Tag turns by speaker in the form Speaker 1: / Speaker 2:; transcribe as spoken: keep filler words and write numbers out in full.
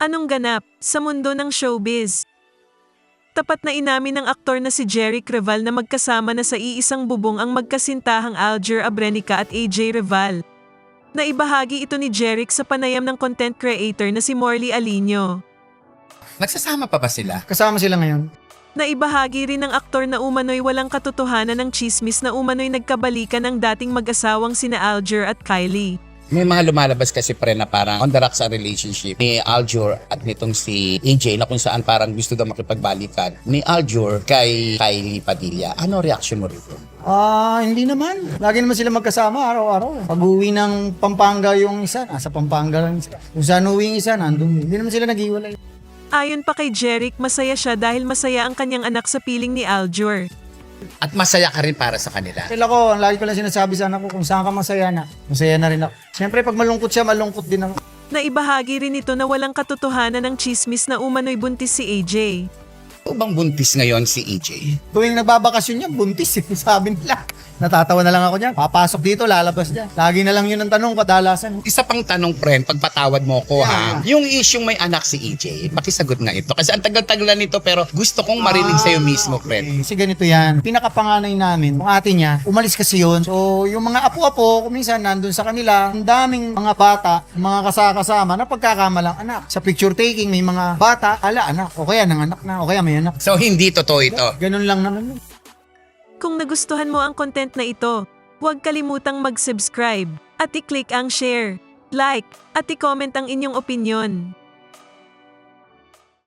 Speaker 1: Anong ganap sa mundo ng showbiz? Tapat na inamin ng aktor na si Jeric Reval na magkasama na sa iisang bubong ang magkasintahang Alger Abrenica at A J Reval. Naibahagi ito ni Jeric sa panayam ng content creator na si Morley Alinio.
Speaker 2: Nagsasama pa ba sila?
Speaker 3: Kasama sila ngayon.
Speaker 1: Naibahagi rin ng aktor na umano'y walang katotohanan ng chismis na umano'y nagkabalikan ng dating mag-asawang sina Alger at Kylie.
Speaker 2: May mga lumalabas kasi pre na parang on the rocks sa relationship ni Aljur at nitong si A J na kung saan parang gusto daw makipagbalikan ni Aljur kay Kylie Padilla. Ano reaction mo rito?
Speaker 3: Ah, hindi naman. Lagi naman sila magkasama araw-araw. Pag uwi ng Pampanga yung isa, nasa Pampanga lang isa. Kung saan uwi yung isa, nandun. Hindi naman sila nag-iwalay.
Speaker 1: Ayon pa kay Jeric, masaya siya dahil masaya ang kanyang anak sa piling ni Aljur.
Speaker 2: At masaya ka rin para sa kanila.
Speaker 3: Dahil ako, ang lagi ko lang sinasabi sa anak ko, kung saan ka masaya na, masaya na rin ako. Siyempre, pag malungkot siya, malungkot din ako.
Speaker 1: Naibahagi rin ito na walang katotohanan ng chismis na umano'y buntis si A J.
Speaker 2: O bang buntis ngayon si A J?
Speaker 3: Tuwing nagbabakasyon niya, buntis eh, sabi nila. Natatawa na lang ako niyan. Papasok dito, lalabas niya. Lagi na lang yun ang tanong, kadalasan.
Speaker 2: Isa pang tanong, friend, pagpatawad mo ko ha. Yung isyung may anak si A J, makisagot nga ito. Kasi ang tagal-tagal nito pero gusto kong marinig sa'yo mismo, friend.
Speaker 3: Okay. Kasi ganito yan. Pinakapanganay namin, yung ate niya, umalis kasi yun. So, yung mga apo-apo, kung minsan nandun sa kanila, ang daming mga bata, mga kasakasama na pagkakamalang anak. Sa picture taking, may mga bata, ala anak, o kaya nanganak na, o kaya may anak.
Speaker 2: So, hindi totoo ito.
Speaker 3: Ganun lang naman.
Speaker 1: Kung nagustuhan mo ang content na ito, huwag kalimutang mag-subscribe at i-click ang share, like, at i-comment ang inyong opinyon.